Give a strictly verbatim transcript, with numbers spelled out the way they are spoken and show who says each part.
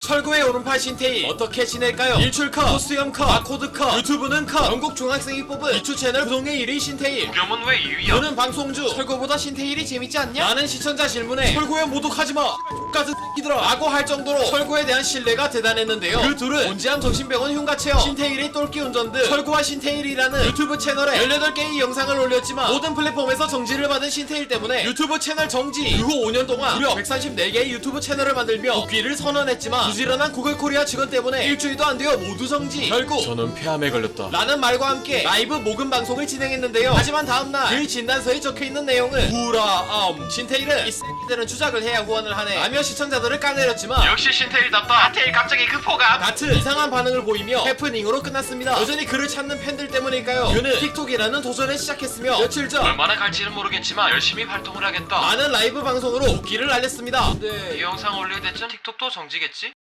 Speaker 1: 설구의 오른팔 신태희 어떻게 지낼까요? 일출 컷, 코스염 컷, 마코드 컷, 유튜브는 컷. 전국 중학생이 뽑은 이추 채널 부동의 일 위 신태희.
Speaker 2: 우겸은 왜 이 위야?
Speaker 1: 너는 방송주 설구보다 신태일이 재밌지 않냐? 라는 시청자 질문에 설구에 모독하지마 같은 X들아 라고 할 정도로 설구에 대한 신뢰가 대단했는데요. 그 둘은 온지암 정신병원 흉가체험, 신태일의 똘끼 운전 등 설구와 신태일이라는 유튜브 채널에 열여덟 개의 영상을 올렸지만 모든 플랫폼에서 정지를 받은 신태일 때문에 유튜브 채널 정지. 그 후 오 년 동안 무려 백삼십네 개의 유튜브 채널을 만들며 복귀를 선언했지만 부지런한 구글 코리아 직원 때문에 일주일도 안 되어 모두 정지. 결국 저는 폐암에 걸렸다 라는 말과 함께 라이브 모금 방송을 진행했는데요. 하지만 다음날 그 진단서에 적혀있는 내용은 불암. 신태일은 이 X들은 주작을 해야 후원을 하네 라며 시청자들을 까내렸지만
Speaker 2: 역시 신태일답다. 하태일 갑자기 급호감.
Speaker 1: 같은 이상한 반응을 보이며 해프닝으로 끝났습니다. 여전히 그를 찾는 팬들 때문일까요? 그는 틱톡이라는 도전을 시작했으며 며칠 전
Speaker 2: 얼마나 갈지는 모르겠지만 열심히 활동을 하겠다.
Speaker 1: 많은 라이브 방송으로 복귀를 알렸습니다.
Speaker 2: 이 영상 올릴 때쯤 틱톡도 정지겠지?